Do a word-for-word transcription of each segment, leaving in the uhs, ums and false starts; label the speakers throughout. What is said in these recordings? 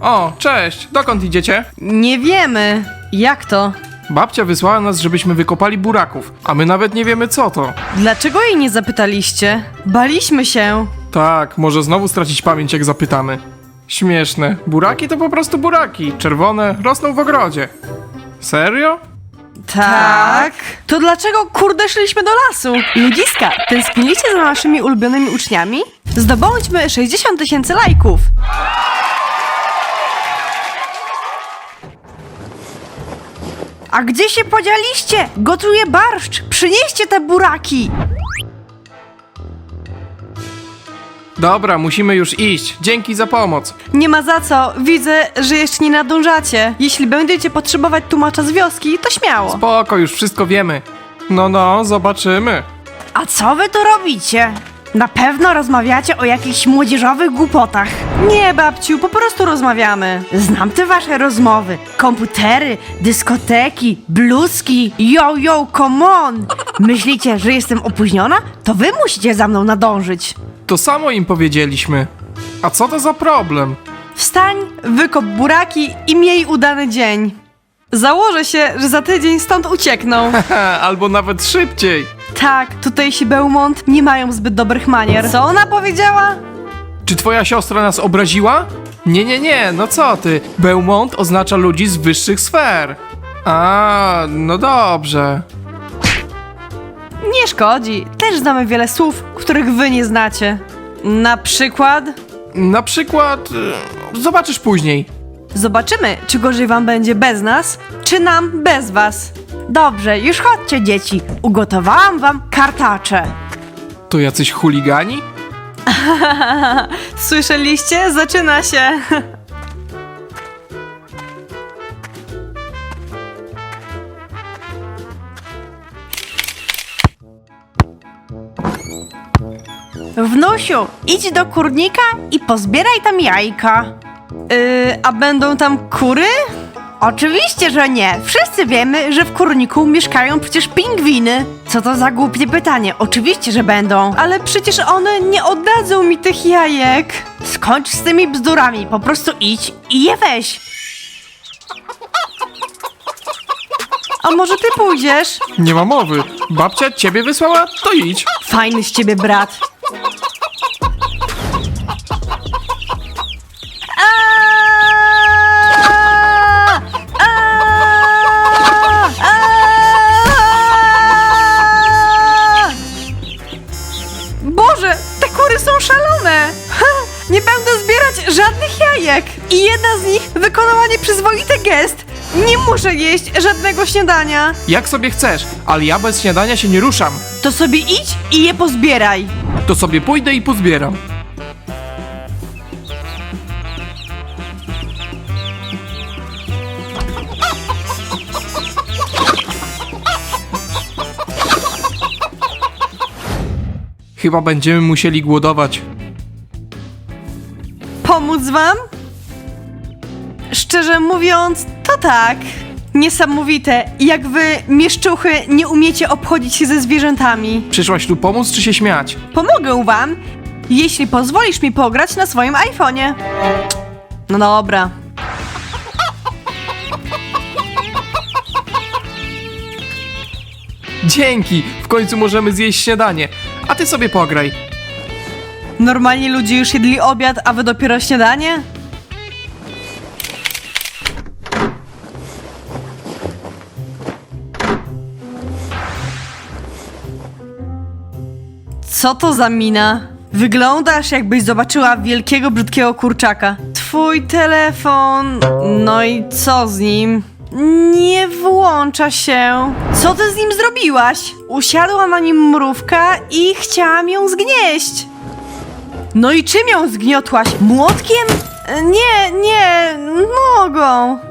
Speaker 1: O, cześć, dokąd idziecie?
Speaker 2: Nie wiemy. Jak to?
Speaker 1: Babcia wysłała nas, żebyśmy wykopali buraków, a my nawet nie wiemy co to.
Speaker 2: Dlaczego jej nie zapytaliście? Baliśmy się.
Speaker 1: Tak, może znowu stracić pamięć jak zapytamy. Śmieszne, buraki to po prostu buraki, czerwone, rosną w ogrodzie. Serio?
Speaker 2: Tak? To dlaczego kurde szliśmy do lasu? Ludziska, tęskniliście za naszymi ulubionymi uczniami? Zdobądźmy sześćdziesiąt tysięcy lajków. A gdzie się podzieliście? Gotuję barszcz! Przynieście te buraki!
Speaker 1: Dobra, musimy już iść, dzięki za pomoc.
Speaker 2: Nie ma za co, widzę, że jeszcze nie nadążacie. Jeśli będziecie potrzebować tłumacza z wioski, to śmiało.
Speaker 1: Spoko, już wszystko wiemy. No, no, zobaczymy.
Speaker 2: A co wy tu robicie? Na pewno rozmawiacie o jakichś młodzieżowych głupotach. Nie, babciu, po prostu rozmawiamy. Znam te wasze rozmowy. Komputery, dyskoteki, bluzki. Yo, yo, come on! Myślicie, że jestem opóźniona? To wy musicie za mną nadążyć.
Speaker 1: To samo im powiedzieliśmy. A co to za problem?
Speaker 2: Wstań, wykop buraki i miej udany dzień. Założę się, że za tydzień stąd uciekną.
Speaker 1: Ha, albo nawet szybciej.
Speaker 2: Tak, tutejsi Beaumont nie mają zbyt dobrych manier. Co ona powiedziała?
Speaker 1: Czy twoja siostra nas obraziła? Nie, nie, nie, no co ty? Beaumont oznacza ludzi z wyższych sfer. A, no dobrze.
Speaker 2: Nie szkodzi, też znamy wiele słów, których wy nie znacie. Na przykład...
Speaker 1: Na przykład... y, Zobaczysz później.
Speaker 2: Zobaczymy, czy gorzej wam będzie bez nas, czy nam bez was. Dobrze, już chodźcie, dzieci. Ugotowałam wam kartacze.
Speaker 1: To jacyś chuligani?
Speaker 2: Słyszeliście? Zaczyna się. Wnusiu, idź do kurnika i pozbieraj tam jajka. Yy, a będą tam kury? Oczywiście, że nie. Wszyscy wiemy, że w kurniku mieszkają przecież pingwiny. Co to za głupie pytanie? Oczywiście, że będą. Ale przecież one nie oddadzą mi tych jajek. Skończ z tymi bzdurami. Po prostu idź i je weź. A może ty pójdziesz?
Speaker 1: Nie ma mowy. Babcia ciebie wysłała? To idź.
Speaker 2: Fajny z ciebie brat. Aaaa! Aaaa! Aaaa! Boże, te kury są szalone! Ha! Nie będę zbierać żadnych jajek! I jedna z nich wykonała nieprzyzwoity gest. Nie muszę jeść żadnego śniadania.
Speaker 1: Jak sobie chcesz, ale ja bez śniadania się nie ruszam.
Speaker 2: To sobie idź i je pozbieraj.
Speaker 1: To sobie pójdę i pozbieram. Chyba będziemy musieli głodować.
Speaker 2: Pomóc wam? Szczerze mówiąc, to tak. Niesamowite, jak wy, mieszczuchy, nie umiecie obchodzić się ze zwierzętami.
Speaker 1: Przyszłaś tu pomóc czy się śmiać?
Speaker 2: Pomogę wam, jeśli pozwolisz mi pograć na swoim iPhone'ie. No dobra.
Speaker 1: Dzięki! W końcu możemy zjeść śniadanie. A ty sobie pograj.
Speaker 2: Normalnie ludzie już jedli obiad, a wy dopiero śniadanie? Co to za mina? Wyglądasz, jakbyś zobaczyła wielkiego, brzydkiego kurczaka. Twój telefon... No i co z nim? Nie włącza się. Co ty z nim zrobiłaś? Usiadła na nim mrówka i chciałam ją zgnieść. No i czym ją zgniotłaś? Młotkiem? Nie, nie, nogą.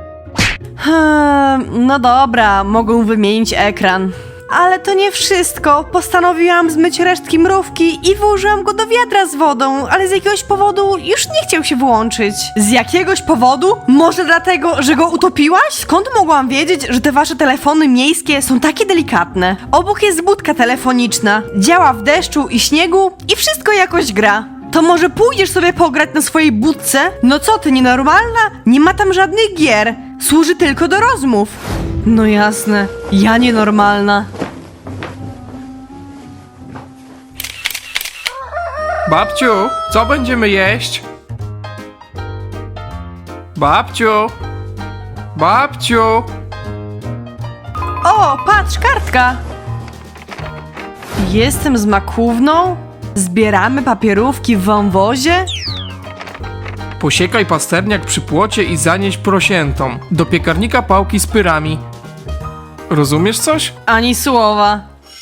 Speaker 2: Hmm, no dobra, mogą wymienić ekran. Ale to nie wszystko. Postanowiłam zmyć resztki mrówki i włożyłam go do wiadra z wodą, ale z jakiegoś powodu już nie chciał się włączyć. Z jakiegoś powodu? Może dlatego, że go utopiłaś? Skąd mogłam wiedzieć, że te wasze telefony miejskie są takie delikatne? Obok jest budka telefoniczna. Działa w deszczu i śniegu i wszystko jakoś gra. To może pójdziesz sobie pograć na swojej budce? No co ty, nienormalna? Nie ma tam żadnych gier. Służy tylko do rozmów. No jasne, ja nienormalna.
Speaker 1: Babciu, co będziemy jeść? Babciu! Babciu!
Speaker 2: O, patrz, kartka! Jestem z makówną? Zbieramy papierówki w wąwozie?
Speaker 1: Posiekaj pasterniak przy płocie i zanieś prosiętom. Do piekarnika pałki z pyrami. Rozumiesz coś?
Speaker 2: Ani słowa.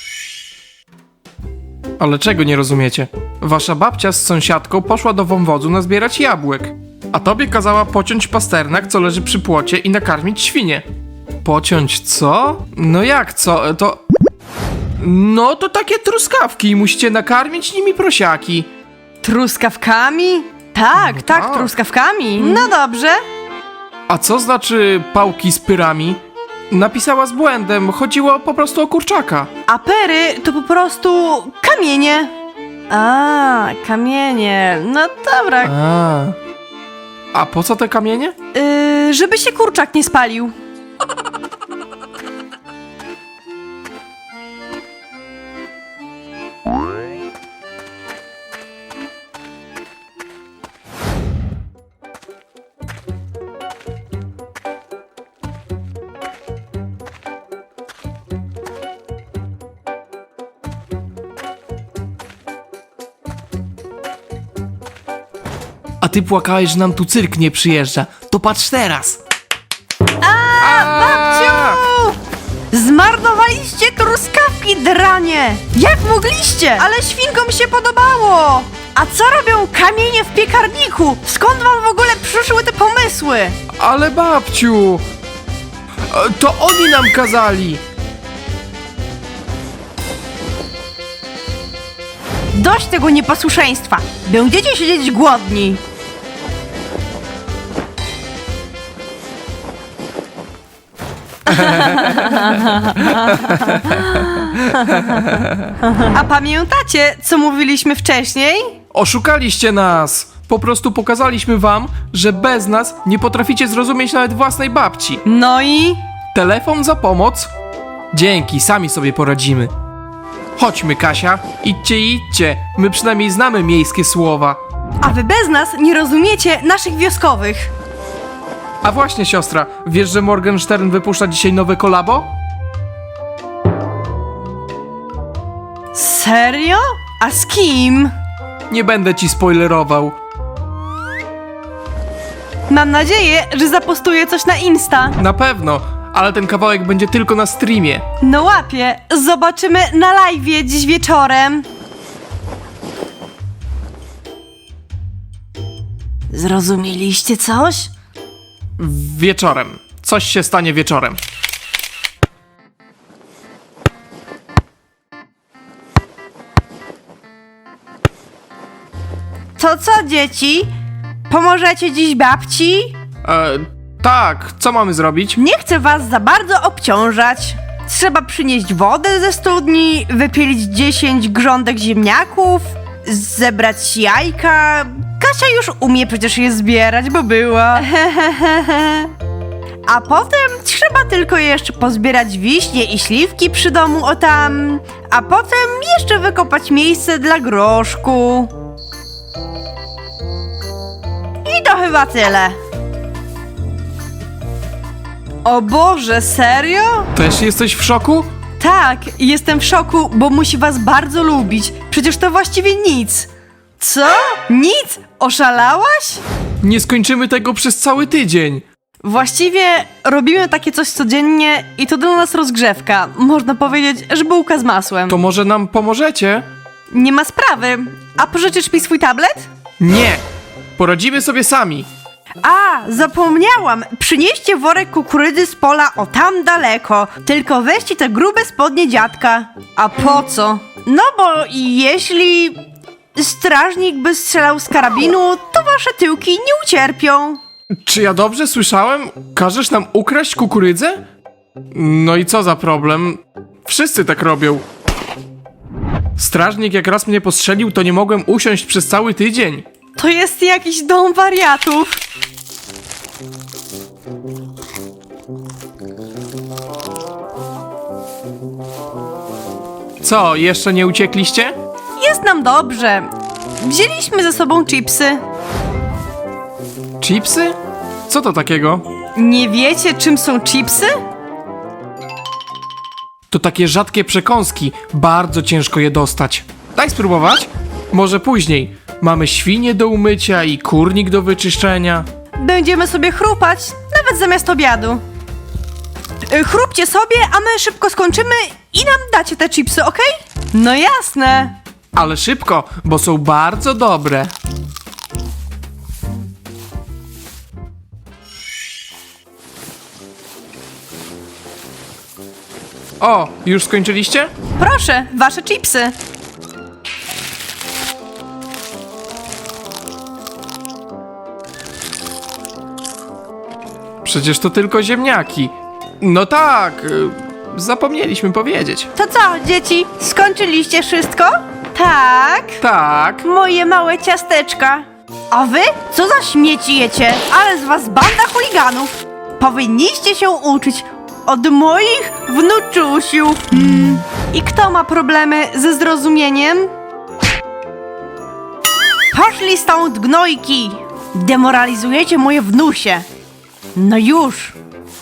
Speaker 1: Ale czego nie rozumiecie? Wasza babcia z sąsiadką poszła do wąwozu nazbierać jabłek, a tobie kazała pociąć pasternak, co leży przy płocie i nakarmić świnie. Pociąć co? No jak co? To... No to takie truskawki, musicie nakarmić nimi prosiaki.
Speaker 2: Truskawkami? Tak,
Speaker 1: No
Speaker 2: tak,
Speaker 1: tak.
Speaker 2: truskawkami. No dobrze.
Speaker 1: A co znaczy pałki z pyrami? Napisała z błędem, chodziło po prostu o kurczaka.
Speaker 2: A pery to po prostu kamienie. A, kamienie. No dobra.
Speaker 1: A, a po co te kamienie?
Speaker 2: Yy, żeby się kurczak nie spalił.
Speaker 1: A ty płakałeś, że nam tu cyrk nie przyjeżdża. To patrz teraz. A,
Speaker 2: Babciu! Zmarnowaliście truskawki, dranie! Jak mogliście? Ale świnkom się podobało! A co robią kamienie w piekarniku? Skąd wam w ogóle przyszły te pomysły?
Speaker 1: Ale babciu! E, To oni nam kazali!
Speaker 2: Dość tego nieposłuszeństwa! Będziecie siedzieć głodni! A pamiętacie, co mówiliśmy wcześniej?
Speaker 1: Oszukaliście nas! Po prostu pokazaliśmy wam, że bez nas nie potraficie zrozumieć nawet własnej babci.
Speaker 2: No i...
Speaker 1: Telefon za pomoc? Dzięki, sami sobie poradzimy. Chodźmy, Kasia. Idźcie, idźcie. My przynajmniej znamy miejskie słowa.
Speaker 2: A wy bez nas nie rozumiecie naszych wioskowych.
Speaker 1: A właśnie, siostra, wiesz, że Morgenstern wypuszcza dzisiaj nowe kolabo?
Speaker 2: Serio? A z kim?
Speaker 1: Nie będę ci spoilerował.
Speaker 2: Mam nadzieję, że zapostuję coś na Insta.
Speaker 1: Na pewno, ale ten kawałek będzie tylko na streamie.
Speaker 2: No łapie, zobaczymy na live'ie dziś wieczorem. Zrozumieliście coś?
Speaker 1: Wieczorem. Coś się stanie wieczorem.
Speaker 2: To co, dzieci? Pomożecie dziś babci?
Speaker 1: E, tak, co mamy zrobić?
Speaker 2: Nie chcę was za bardzo obciążać. Trzeba przynieść wodę ze studni, wypielić dziesięć grządek ziemniaków, zebrać jajka. Kasia już umie przecież je zbierać, bo była. A potem trzeba tylko jeszcze pozbierać wiśnie i śliwki przy domu o tam. A potem jeszcze wykopać miejsce dla groszku. I to chyba tyle. O Boże, serio?
Speaker 1: Też jesteś w szoku?
Speaker 2: Tak, jestem w szoku, bo musi was bardzo lubić. Przecież to właściwie nic. Co? Nic? Oszalałaś?
Speaker 1: Nie skończymy tego przez cały tydzień.
Speaker 2: Właściwie robimy takie coś codziennie i to dla nas rozgrzewka. Można powiedzieć, że bułka z masłem.
Speaker 1: To może nam pomożecie?
Speaker 2: Nie ma sprawy. A pożyczysz mi swój tablet?
Speaker 1: Nie. Poradzimy sobie sami.
Speaker 2: A, zapomniałam. Przynieście worek kukurydzy z pola o tam daleko. Tylko weźcie te grube spodnie dziadka. A po co? No bo jeśli strażnik by strzelał z karabinu, to wasze tyłki nie ucierpią.
Speaker 1: Czy ja dobrze słyszałem? Każesz nam ukraść kukurydzę? No i co za problem? Wszyscy tak robią. Strażnik jak raz mnie postrzelił, to nie mogłem usiąść przez cały tydzień.
Speaker 2: To jest jakiś dom wariatów.
Speaker 1: Co, jeszcze nie uciekliście?
Speaker 2: Jest nam dobrze. Wzięliśmy ze sobą chipsy.
Speaker 1: Chipsy? Co to takiego?
Speaker 2: Nie wiecie, czym są chipsy?
Speaker 1: To takie rzadkie przekąski, bardzo ciężko je dostać. Daj spróbować? Może później. Mamy świnie do umycia i kurnik do wyczyszczenia.
Speaker 2: Będziemy sobie chrupać, nawet zamiast obiadu. Y, Chrupcie sobie, a my szybko skończymy i nam dacie te chipsy, okej? No jasne.
Speaker 1: Ale szybko, bo są bardzo dobre. O, już skończyliście?
Speaker 2: Proszę, wasze chipsy.
Speaker 1: Przecież to tylko ziemniaki. No tak, y, zapomnieliśmy powiedzieć.
Speaker 2: To co, dzieci? Skończyliście wszystko? Tak.
Speaker 1: Tak,
Speaker 2: Moje małe ciasteczka. A wy? Co za śmieci jecie? Ale z was banda chuliganów. Powinniście się uczyć od moich wnuczusiów. Mm. I kto ma problemy ze zrozumieniem? Poszli stąd, gnojki. Demoralizujecie moje wnusie. No już.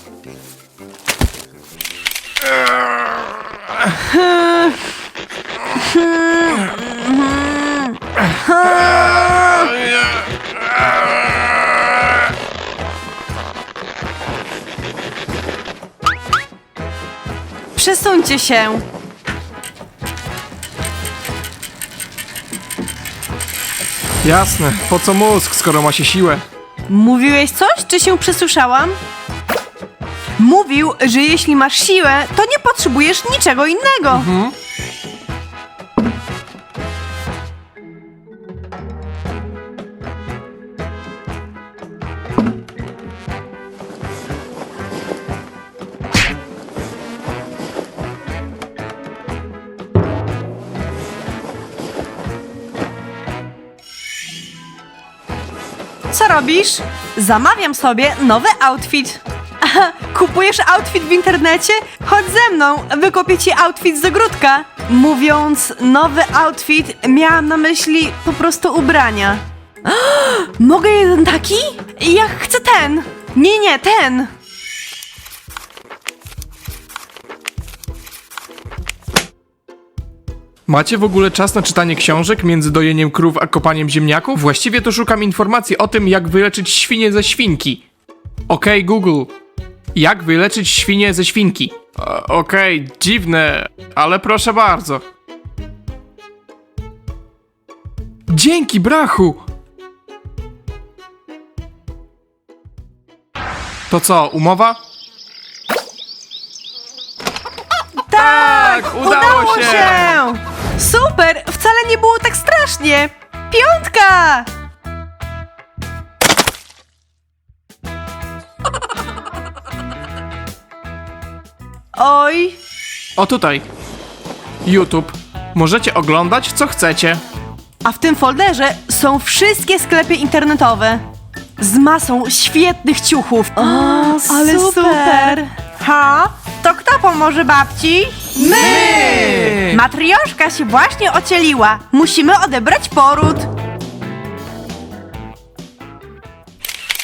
Speaker 2: Przesuńcie się.
Speaker 1: jasne. Po co mózg, skoro ma się siłę?
Speaker 2: Mówiłeś coś, czy się przesłyszałam? Mówił, że jeśli masz siłę, to nie potrzebujesz niczego innego. Co robisz? Zamawiam sobie nowy outfit. Aha, kupujesz outfit w internecie? Chodź ze mną, wykupię ci outfit z ogródka. Mówiąc nowy outfit, miałam na myśli po prostu ubrania. Mogę jeden taki? Ja chcę ten. Nie, nie, ten.
Speaker 1: Macie w ogóle czas na czytanie książek między dojeniem krów a kopaniem ziemniaków? Właściwie to szukam informacji o tym, jak wyleczyć świnię ze świnki. Okej, Google. Jak wyleczyć świnię ze świnki? E, Okej, dziwne, ale proszę bardzo. Dzięki, brachu! To co, umowa?
Speaker 2: Tak,
Speaker 1: udało się!
Speaker 2: Super, wcale nie było tak strasznie. Piątka! Oj,
Speaker 1: O tutaj. YouTube. Możecie oglądać, co chcecie.
Speaker 2: a w tym folderze są wszystkie sklepy internetowe. Z masą świetnych ciuchów. O, ale super. Ha? To kto pomoże babci?
Speaker 1: My!
Speaker 2: Matrioszka się właśnie ocieliła. Musimy odebrać poród.